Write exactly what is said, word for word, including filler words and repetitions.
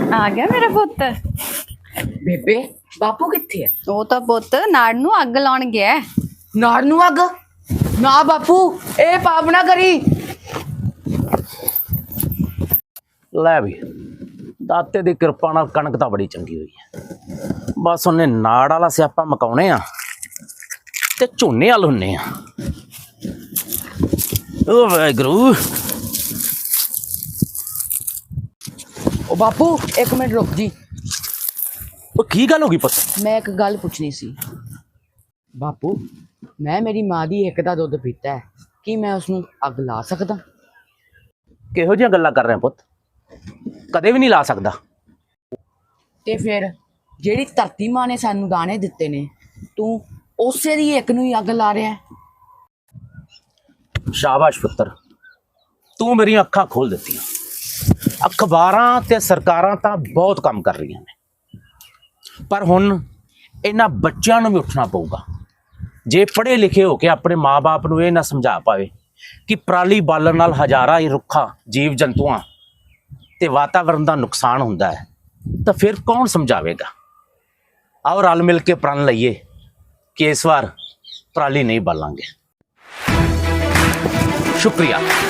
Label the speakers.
Speaker 1: ਆ ਗਿਆ ਮੇਰਾ ਪੁੱਤ।
Speaker 2: ਬੇਬੇ ਬਾਪੂ ਕਿੱਥੇ ਹੈ?
Speaker 1: ਉਹ ਤਾਂ ਪੁੱਤ ਨਾੜ ਨੂੰ ਅੱਗ ਲਾਉਣ ਗਿਆ ਹੈ।
Speaker 2: ਨਾੜ ਨੂੰ ਅੱਗ? ਨਾ ਬਾਪੂ, ਇਹ ਪਾਪ ਨਾ ਕਰੀ।
Speaker 3: ਲੈ ਵੀ ਦਾਤੇ ਦੀ ਕਿਰਪਾ ਨਾਲ ਕਣਕ ਤਾਂ ਬੜੀ ਚੰਗੀ ਹੋਈ ਹੈ। ਬਸ ਉਹਨੇ ਨਾੜ ਵਾਲਾ ਸਿਆਪਾ ਮਕਾਉਣੇ ਆ ਤੇ ਝੋਨੇ ਵਾਲ ਹੁੰਨੇ ਆ। ਓ ਵਾਹਿਗੁਰੂ।
Speaker 2: ਉਹ ਬਾਪੂ ਇੱਕ ਮਿੰਟ ਰੁਕ ਜੀ,
Speaker 3: ਉਹ ਕੀ ਗੱਲ ਹੋ ਗਈ ਪੁੱਤ?
Speaker 2: ਮੈਂ ਇੱਕ ਗੱਲ ਪੁੱਛਣੀ ਸੀ। ਬਾਪੂ ਮੈਂ ਮੇਰੀ ਮਾਂ ਦੀ ਇੱਕ ਦਾ ਦੁੱਧ ਪੀਤਾ ਹੈ, ਕੀ ਮੈਂ ਉਸਨੂੰ ਅੱਗ ਲਾ ਸਕਦਾ?
Speaker 3: ਕਿਹੋ ਜਿਹੀਆਂ ਗੱਲਾਂ ਕਰ ਰਿਹਾ ਪੁੱਤ? ਕਦੇ ਵੀ ਨਹੀਂ ਲਾ ਸਕਦਾ।
Speaker 2: ਤੇ ਫਿਰ ਜਿਹੜੀ ਧਰਤੀ ਮਾਂ ਨੇ ਸਾਨੂੰ ਦਾਣੇ ਦਿੱਤੇ ਨੇ, ਤੂੰ ਉਸੇ ਦੀ ਇੱਕ ਨੂੰ ਹੀ ਅੱਗ ਲਾ ਰਿਹਾ ਹੈ।
Speaker 3: ਸ਼ਾਬਾਸ਼ ਪੁੱਤਰ, ਤੂੰ ਮੇਰੀਆਂ ਅੱਖਾਂ ਖੋਲ ਦਿੱਤੀਆਂ। ਅਖਬਾਰਾਂ ਤੇ ਸਰਕਾਰਾਂ ਤਾਂ ਬਹੁਤ ਕੰਮ ਕਰ ਰਹੀਆਂ ਨੇ, ਪਰ ਹੁਣ ਇਹਨਾਂ ਬੱਚਿਆਂ ਨੂੰ ਵੀ ਉੱਠਣਾ ਪਊਗਾ। ਜੇ ਪੜ੍ਹੇ ਲਿਖੇ ਹੋ ਕੇ ਆਪਣੇ ਮਾਂ-ਬਾਪ ਨੂੰ ਇਹ ਨਾ ਸਮਝਾ ਪਾਵੇ ਕਿ ਪਰਾਲੀ ਬਾਲਣ ਨਾਲ ਹਜ਼ਾਰਾਂ ਹੀ ਰੁੱਖਾਂ, ਜੀਵ ਜੰਤੂਆਂ ਤੇ ਵਾਤਾਵਰਣ ਦਾ ਨੁਕਸਾਨ ਹੁੰਦਾ ਹੈ, ਤਾਂ ਫਿਰ ਕੌਣ ਸਮਝਾਵੇਗਾ? ਆਓ ਰਲ ਮਿਲ ਕੇ ਪ੍ਰਣ ਲਈਏ ਕਿ ਇਸ ਵਾਰ ਪਰਾਲੀ ਨਹੀਂ ਬਾਲਾਂਗੇ। ਸ਼ੁਕਰੀਆ।